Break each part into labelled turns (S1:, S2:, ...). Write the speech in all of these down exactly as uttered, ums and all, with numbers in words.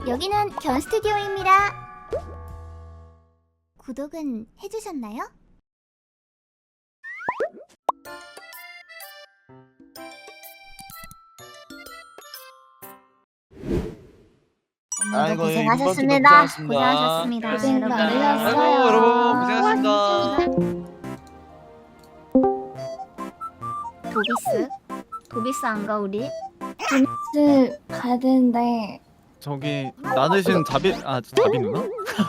S1: 여기는 견 스튜디오입니다. 구독은 해주셨나요?
S2: 아이고,
S1: 고생하셨습니다.
S2: 고생하셨습니다.
S1: 고생하셨습니다.
S3: 고생
S1: 여러분.
S3: 많으셨어요.
S2: 아이고 여러분 고생하셨습니다.
S1: 도비스? 도비스 안 가 우리?
S3: 스 가야 되는데
S2: 저기 나누신 자비 아 자비 누나?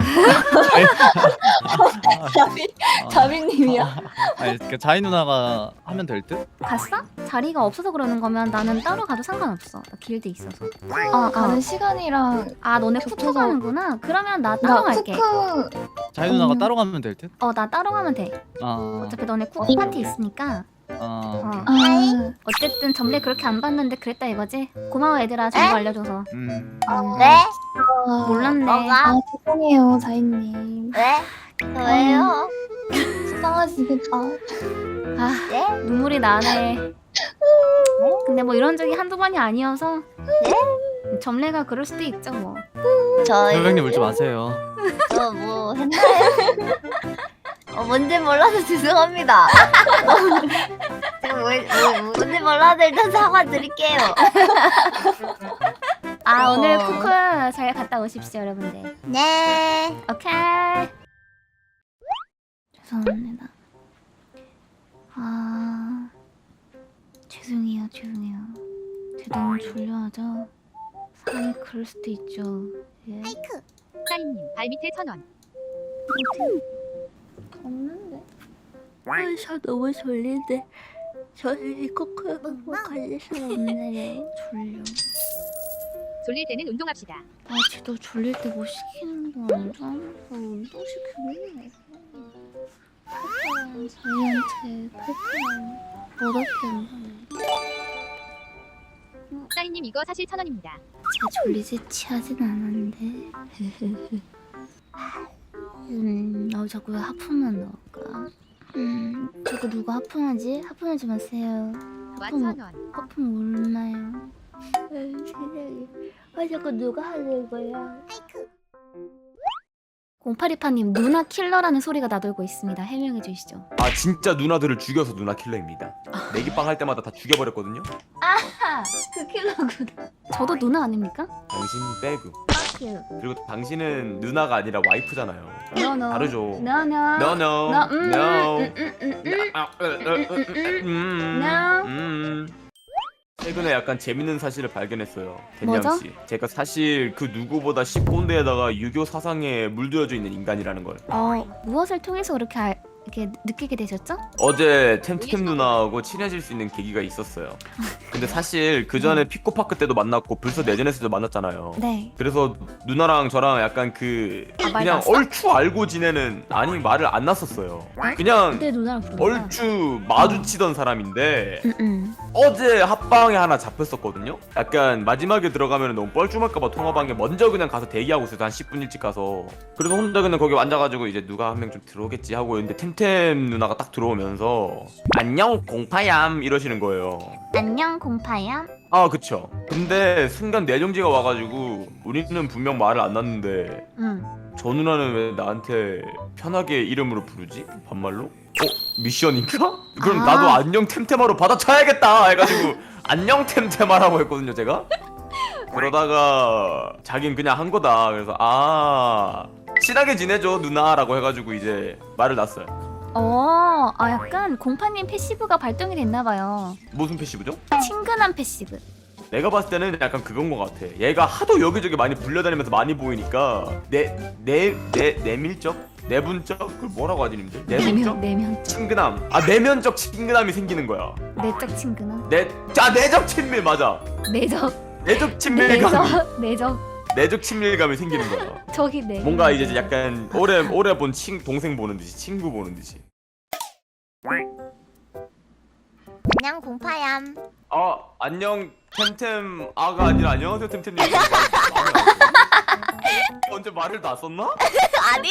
S3: 자비 자비님이요?
S2: 아니 그 자이 누나가 하면 될 듯?
S1: 갔어? 자리가 없어서 그러는 거면 나는 따로 가도 상관없어. 나 길드 있어서.
S3: 아 가는 시간이랑
S1: 아 너네 쿠쿠
S3: 겹쳐서-
S1: 가는구나? 그러면 나 따로
S3: 나
S1: 갈게.
S3: 쿠쿠
S2: 자이 누나가
S3: 음.
S2: 따로 가면 될 듯?
S1: 어 나 따로 가면 돼.
S2: 아,
S1: 어차피 너네 쿠쿠 파티 있으니까.
S2: 아,
S1: 어.
S3: 아
S1: 어쨌든 점례 그렇게 안 봤는데 그랬다 이거지? 고마워 얘들아 정보 알려줘서.
S2: 음.
S1: 음,
S4: 네?
S3: 아,
S1: 몰랐네.
S3: 아 죄송해요 자이님.
S4: 왜? 왜요?
S3: 속상하시겠다.
S1: 아
S4: 네?
S1: 눈물이 나네. 근데 뭐 이런 적이 한두 번이 아니어서 점례가 그럴 수도 있죠 뭐.
S4: 저,
S2: 선생님 울지 마세요.
S4: 저 뭐 했나요? 어, 뭔지 몰라서 죄송합니다. 제가 뭘, 뭐, 뭔지 몰라서 일단 사과드릴게요.
S1: 아
S4: 어.
S1: 오늘 쿠쿠 잘 갔다 오십시오 여러분들.
S4: 네.
S1: 오케이. 죄송합니다. 아 죄송해요 죄송해요. 제가 너무 졸려하죠. 사람이 그럴 수도 있죠. 예.
S5: 사인님 발밑에 천원.
S3: 없는데.
S1: 아, 저 너무 졸린데 저희 코코 뭐 갈릴 수 없네요. 졸려.
S5: 졸릴 때는 운동합시다.
S1: 아, 쟤도 졸릴 때 뭐 시키는 거 아니잖아. 운동 시키는 거. 팔팔한 자이언트 팔팔한 어렵게
S5: 사인님 이거 사실 천원입니다.
S1: 제가 졸리지 취하진 않았는데. 음, 나 자꾸 왜 하품만 나올까? 음, 자꾸 누가 하품하지? 하품하지 마세요.
S5: 와
S1: 하품,
S5: 천원.
S1: 하품 얼마요? 아, 세상에. 아, 자꾸 누가 하는 거야? 공팔이파님 누나 킬러라는 소리가 나돌고 있습니다. 해명해 주시죠.
S6: 아 진짜 누나들을 죽여서 누나 킬러입니다. 내기빵 할 때마다 다 죽여버렸거든요.
S1: 그 킬러구나. 저도 누나 아닙니까?
S6: 당신 빼고.
S1: Fuck you.
S6: 그리고 당신은 누나가 아니라 와이프잖아요.
S1: No no.
S6: 다르죠.
S1: No no.
S6: No no.
S1: No. 음,
S6: No.
S1: 음, 음, 음, 음.
S6: 아, 으, 으, 으, 으, 으, 음.
S1: No.
S6: 음. 최근에 약간 재밌는 사실을 발견했어요.
S1: 뭐죠?
S6: 댄양 씨. 제가 사실 그 누구보다 십꼰대에다가 유교 사상에 물들여져 있는 인간이라는 걸.
S1: 어 무엇을 통해서 그렇게 알, 이렇게 느끼게 되셨죠?
S6: 어제 템템 누나하고 친해질 수 있는 계기가 있었어요. 근데 사실 그 전에 피코파크 때도 만났고 불서 내전에서 도 만났잖아요.
S1: 네.
S6: 그래서 누나랑 저랑 약간 그
S1: 아, 말
S6: 그냥
S1: 났어?
S6: 얼추 알고 지내는 아니 말을 안 났었어요. 그냥
S1: 그때 누나랑 부르는
S6: 얼추 마주치던 사람인데
S1: 응응.
S6: 어제 합방에 하나 잡혔었거든요. 약간 마지막에 들어가면 너무 뻘쭘할까봐 통화방에 먼저 그냥 가서 대기하고 있어요. 한 십 분 일찍 가서. 그래서 혼자 그냥 거기 앉아가지고 이제 누가 한 명 좀 들어오겠지 하고 있는데 템템 누나가 딱 들어오면서 안녕 공파얌 이러시는 거예요.
S1: 안녕 공파야.
S6: 아 그쵸. 근데 순간 내정지가 와가지고 우리는 분명 말을 안 났는데
S1: 응.
S6: 저 누나는 왜 나한테 편하게 이름으로 부르지? 반말로? 어? 미션인가? 그럼
S1: 아.
S6: 나도 안녕 템템하로 받아쳐야겠다 해가지고 안녕 템템하라고 했거든요 제가. 그러다가 자긴 그냥 한 거다. 그래서 아 친하게 지내죠 누나라고 해가지고 이제 말을 놨어요.
S1: 어, 아 약간 공파님 패시브가 발동이 됐나봐요.
S6: 무슨 패시브죠?
S1: 친근한 패시브.
S6: 내가 봤을 때는 약간 그건 것 같아. 얘가 하도 여기저기 많이 불려다니면서 많이 보이니까 내 내 내 내밀적? 내분적? 그걸 뭐라고 하지 님들? 내분적?
S1: 내면 내면
S6: 친근함. 아 내면적 친근함이 생기는 거야.
S1: 내적 친근함.
S6: 내, 자 내적 친밀 맞아.
S1: 내적
S6: 내적 친밀감.
S1: 내적 내적
S6: 내적 친밀감이 생기는 거야.
S1: 저기 내.
S6: 뭔가 이제 약간 오래 오래 본 친 동생 보는 듯이 친구 보는 듯이.
S4: 안녕 공파얌.
S6: 아 안녕 템템 아가 아니라 안녕하세요 템템님. 언제 말을 다 썼나?
S4: 아니.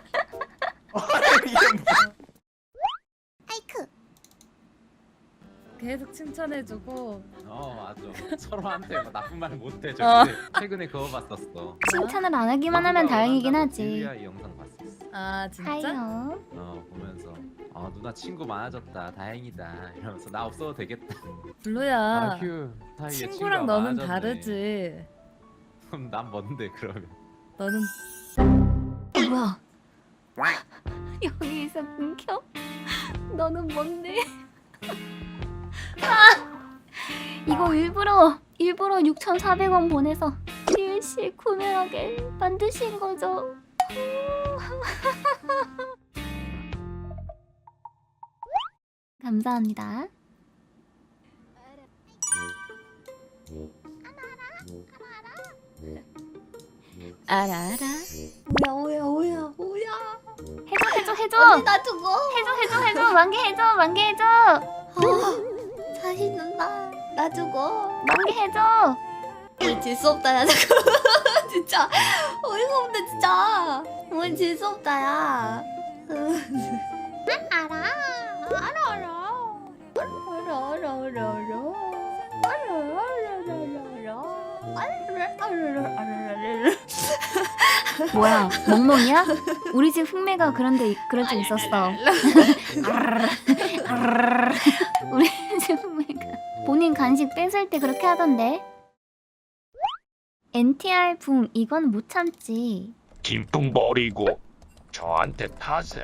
S6: 이게 뭐-
S4: 하이크.
S7: 계속 칭찬해주고
S8: 어 맞아. 서로한테 뭐 나쁜 말 못해. 저
S7: 어.
S8: 근데 최근에 그거 봤었어.
S1: 칭찬을 안 하기만 하면 다행이긴 하지.
S8: 딜리아 이 영상 봤었어.
S7: 아 진짜?
S1: 하이요.
S8: 어 보면서 어 누나 친구 많아졌다. 다행이다. 이러면서 나 없어도 되겠다.
S7: 블루야
S8: 아휴 사이에
S7: 친구랑
S8: 친구가
S7: 너는
S8: 많아졌네.
S7: 다르지.
S8: 그럼 난 뭔데 그러면?
S7: 너는
S1: 뭐야? 여기서 끊겨? 너는 뭔데? 아! 이거 일부러 일부러 육천사백 원 보내서 디엘씨 구매하게 만드신 거죠? 감사합니다. 알아 알아.
S3: 뭐야 뭐야 뭐야 뭐야.
S1: 해줘 해줘 해줘.
S3: 언니 나 죽어.
S1: 해줘 해줘 해줘. 만개 해줘 만개 해줘.
S3: 아, 자신 누나 나 죽어.
S1: 만개 해줘.
S3: 오늘 질수 없다 야 잠깐만. 진짜 어이가 없네 진짜. 오늘 질수 없다 야.
S4: 알아. 알아 알아.
S3: 알아 알아 알아 알아.
S1: 뭐야 멍멍이야? 우리 집 흑매가 그런데 그런 적 있었어. 우리 집 흑매가 본인 간식 뺏을 때 그렇게 하던데. 엔티알 붕 이건 못 참지.
S9: 김풍 버리고 저한테 타셈.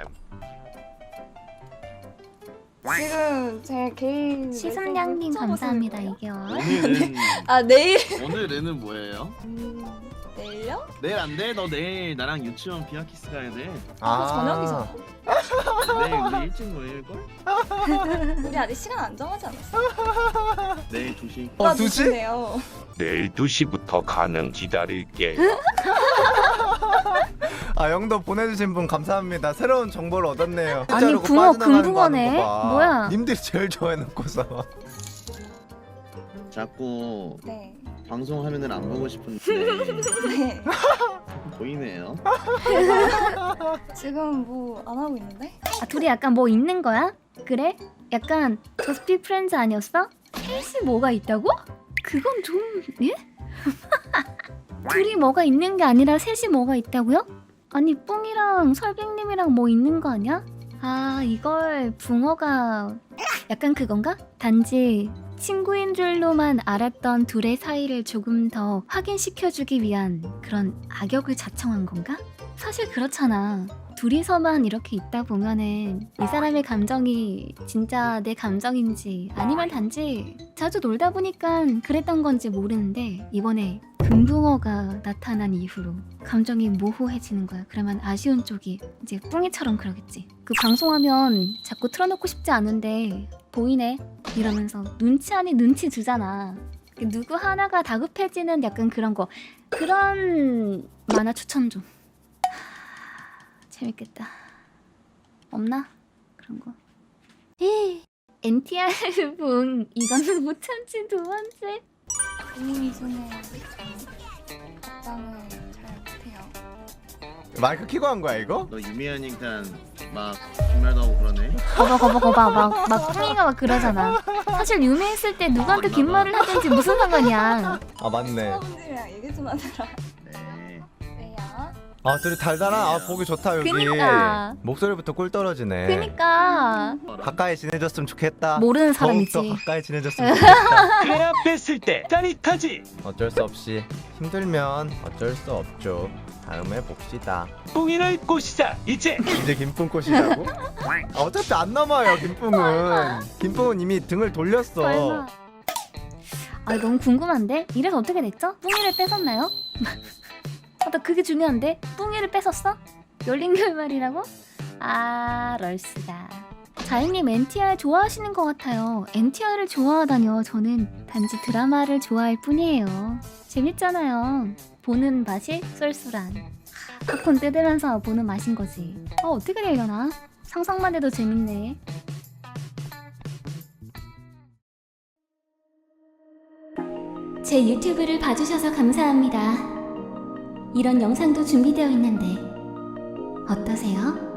S3: 지금 제 개인
S1: 시슴냥님 감사합니다 이겨.
S10: 오늘은
S3: 아 내일
S10: 오늘은 뭐예요?
S3: 음, 내일요?
S10: 내일 안 돼? 너 내일 나랑 유치원 비아키스 가야 돼.
S3: 아, 저녁이잖아.
S10: 내일 우리 일찍 모일 걸?
S3: 우리 아직 시간 안 정하지 않았어?
S10: 내일 두 시.
S3: 어, 두 시네요.
S9: 내일 두 시부터 가능 기다릴게.
S11: 아 영도 보내주신 분 감사합니다. 새로운 정보를 얻었네요.
S1: 아니,
S11: 자르고
S1: 붕어
S11: 빠져나가는
S1: 금붕어네.
S11: 거 하는 거 봐.
S1: 뭐야?
S11: 님들이 제일 좋아해놓고서.
S10: 자꾸
S3: 네.
S10: 방송 화면을 안 보고 싶은데
S3: 네.
S10: 보이네요.
S3: 지금 뭐 안 하고 있는데?
S1: 아 둘이 약간 뭐 있는 거야? 그래? 약간 저스피 프렌즈 아니었어? 셋이 뭐가 있다고? 그건 좀 예? 둘이 뭐가 있는 게 아니라 셋이 뭐가 있다고요? 아니 뿡이랑 설빙님이랑 뭐 있는 거 아니야? 아 이걸 붕어가 약간 그건가? 단지 친구인 줄로만 알았던 둘의 사이를 조금 더 확인시켜주기 위한 그런 악역을 자청한 건가? 사실 그렇잖아. 둘이서만 이렇게 있다 보면은 이 사람의 감정이 진짜 내 감정인지 아니면 단지 자주 놀다 보니까 그랬던 건지 모르는데 이번에 금붕어가 나타난 이후로 감정이 모호해지는 거야. 그러면 아쉬운 쪽이 이제 뿡이처럼 그러겠지. 그 방송하면 자꾸 틀어놓고 싶지 않은데 보이네 이러면서 눈치 아닌 눈치 주잖아. 누구 하나가 다급해지는 약간 그런 거. 그런 만화 추천 좀. 재밌겠다. 없나? 그런 거. 엔티알 붕 이거는 못 참지 두 번째.
S3: 본인이 손에 답장을 잘 못해요.
S11: 마이크 키고 한 거야 이거?
S10: 너 유미하니까 막 빈말도 하고 그러네.
S1: 거봐 거봐 거봐 막, 막 뿡이가 막 그러잖아. 사실 유명했을 때 누구한테 긴 말을 하든지 무슨 상관이야.
S11: 아 맞네.
S3: 사람들이랑 얘기 좀 하더라.
S10: 네.
S3: 왜요?
S11: 아 둘이 달달한. 아 보기 좋다 여기.
S1: 그니까.
S11: 목소리부터 꿀 떨어지네.
S1: 그니까
S11: 가까이 지내줬으면 좋겠다.
S1: 모르는
S11: 더욱더
S1: 사람이지.
S11: 가까이 지내줬으면 좋겠다.
S9: 그래야 뺐을 때 짜릿하지.
S11: 어쩔 수 없이 힘들면 어쩔 수 없죠. 다음에 봅시다.
S9: 뿡이를 꼬시자 이제.
S11: 이제 김뿡 꽃이라고? 아, 어차피 안 남아요 김뿡은. 김뿡은 이미 등을 돌렸어.
S1: 설마. 아 너무 궁금한데? 이래서 어떻게 됐죠? 뿡이를 뺏었나요? 아, 나 그게 중요한데? 뿡이를 뺏었어? 열린 결말이라고? 아 럴스다. 자이님 엔티알 좋아하시는 것 같아요. 엔티알을 좋아하다뇨. 저는 단지 드라마를 좋아할 뿐이에요. 재밌잖아요. 보는 맛이 쏠쏠한. 팝콘 뜯으면서 보는 맛인 거지. 어 어떻게 되려나? 상상만 해도 재밌네. 제 유튜브를 봐주셔서 감사합니다. 이런 영상도 준비되어 있는데 어떠세요?